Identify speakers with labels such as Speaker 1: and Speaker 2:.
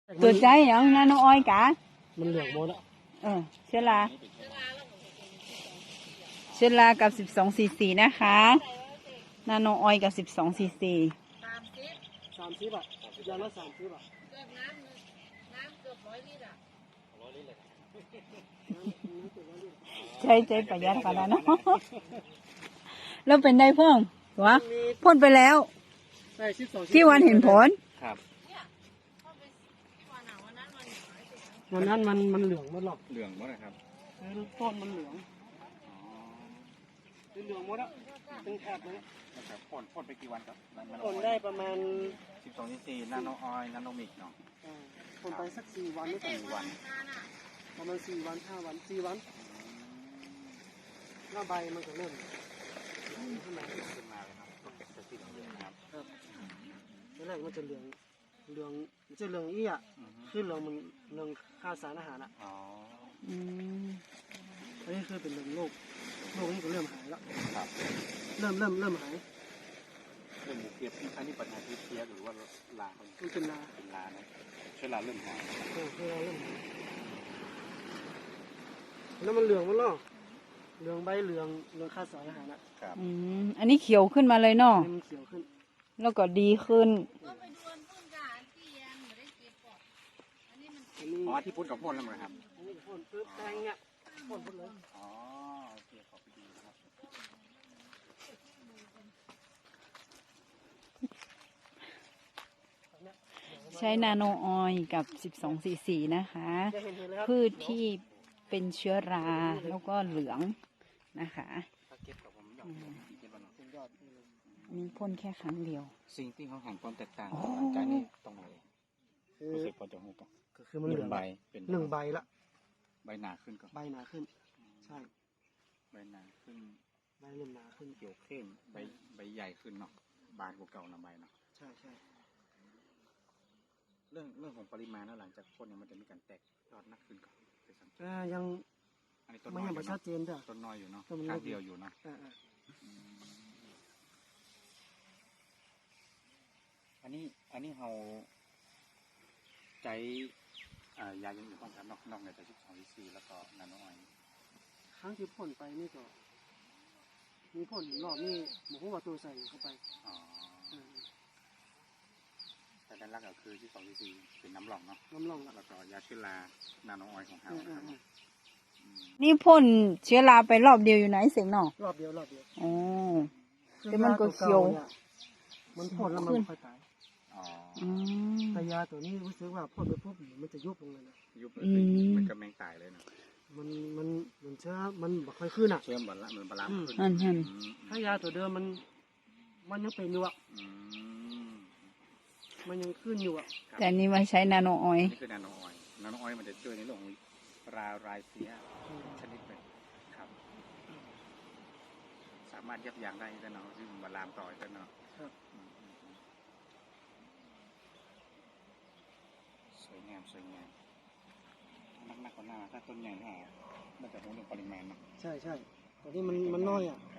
Speaker 1: ตัวใจอย่างนั้นน้องอ้อยกะ
Speaker 2: มันเหลืองหมดอ่ะ
Speaker 1: เชื้อรากับ12 cc นะคะนาโนออยกับ12 cc
Speaker 2: 30บาทยางละ30บาท
Speaker 3: เกือบน้ำเกือบ100 ลิตรอ่ะ
Speaker 1: ใจประหยัดขนาดนั้นแล้วเป็นได้เพิ่มวะพ่นไปแล้วกี่วันเห็นผล
Speaker 2: ครับวันนั้นมันเหลืองหมดหรอก
Speaker 4: เหลืองหมดนะครับ
Speaker 2: ต้นมันเหลืองเหลืองหมดอ่ะเป็นแถบเลย
Speaker 4: นะครับพ่นไปกี่วันครับ
Speaker 2: พ่นได้ประมาณ
Speaker 4: 12 cc นาโนออยล์นาโนมิกเนาะ
Speaker 2: พ่นไปสัก4 วันหรือ3 วันประมาณ4 วัน5 วัน4 วันหน้าใบมันก็เริ่มขึ้นมาเลยครับจะสีเหลืองครับแรกมันจะเหลืองมันจะเหลืองอี้อ่ะคือเหลืองมันเหลืองค่าสารอาหารอ่ะอันนี้คือเป็นเหลืองโรคนี้ก็เริ่มหายแล้วครับเริ่มหายเรื่อง
Speaker 4: หมูเปียกอันนี้ปัญหาที่เพี้ยหรือว่าลามัน
Speaker 2: เป็นลา
Speaker 4: นะเชื้อราเริ่มหาย
Speaker 2: เริ่มหายแล้วมันเหลืองมันล่อเหลืองใบเหลืองค่าสารอาหารอ่ะ
Speaker 4: ครับ
Speaker 1: อันนี้เขียวขึ้นมาเลยเนาะ
Speaker 2: มันเขียวขึ้น
Speaker 1: แล้วก็ดีขึ้น
Speaker 4: ที่พ่นกับพ่นแล้วมั้งครับ
Speaker 2: พ่นปึ๊บแตงเนี่ยพ่นเลย
Speaker 4: อ๋อโอเคขอบคุณครับ
Speaker 1: ใช้นาโนออยล์กับ12 cc นะคะพืชที่เป็นเชื้อราแล้วก็เหลืองนะคะนี่พ่นแค่ครั้งเดียว
Speaker 4: สิ่งที่เขาเห็นความแตกต่างหลังจากนี้ตรงไหนรู้สึกพอจะหูกัน
Speaker 2: ก็คือมันเหลือง
Speaker 4: ใบ
Speaker 2: เป็น1 ใบละ
Speaker 4: ใบหนาขึ้นก็
Speaker 2: ใบหนาขึ้นใช่
Speaker 4: ใบหนาขึ้น
Speaker 2: ใบเริ่มหนาขึ้น
Speaker 4: เขียวเข้มใบใหญ่ขึ้นเนาะบานกว่าเก่านะใบเนาะ
Speaker 2: ใช่
Speaker 4: เรื่องของปริมาณแล้วหลังจากพ่นเนี่ยมันจะมีการแตกยอดนักขึ้นก่อน
Speaker 2: ยังไม่ยังไม่ชัดเจนเด้อ
Speaker 4: ต้นน้อยอยู่เนาะข้างเดียวอยู่เนาะอันนี้เราใจยายังอยู่ป้องกันนอกในแต่12 cc แล้วก็นาโนออยล์
Speaker 2: ครั้งที่พ่นไปนี่ก็มีพ่นรอบนี้หมูหัวตัวใส่เข้าไป
Speaker 4: แต่ด้านล่างก็คือ12 cc เป็นน้ำหลองเนาะแล้วก็ยาเชื้อรานาโนออยล์ของเรา
Speaker 1: นี่พ่นเชื้อราไปรอบเดียวอยู่ไหนเสียงเนาะ
Speaker 2: รอบเดียว
Speaker 1: อ๋อแต่มันก็เขียว
Speaker 2: มันพ่นแล้วมันค่อยตายแต่ยาตัวนี้รู้สึกว่าพ่นไปปุ๊บมันจะยุบลงเลยนะ
Speaker 4: ยุบมันก็แมงตายเลยนะ
Speaker 2: มันเชื้อมันบ่ค่อยขึ้นอ่ะ
Speaker 4: เชื้อมันบาลานซ์
Speaker 1: ขึ้น
Speaker 2: ถ้ายาตัวเดิมมันยังเป็นอยู่อ่ะมันยังขึ้นอยู่อ่ะ
Speaker 1: แต่นี่มาใช้นาโนออยล์
Speaker 4: นี่คือนาโนออยล์มันจะช่วยในเรื่องของรายเสียชนิดหนึ่งครับสามารถยับยั้งได้แต่เนาะที่มันลามต่อแต่เนาะสวยงามนักกว่าหน้าถ้าต้นใหญ่แน่มันจะรู้เรื่องปริมาณเนาะ
Speaker 2: ใช่ตอนนี้มันน้อยอ่ะ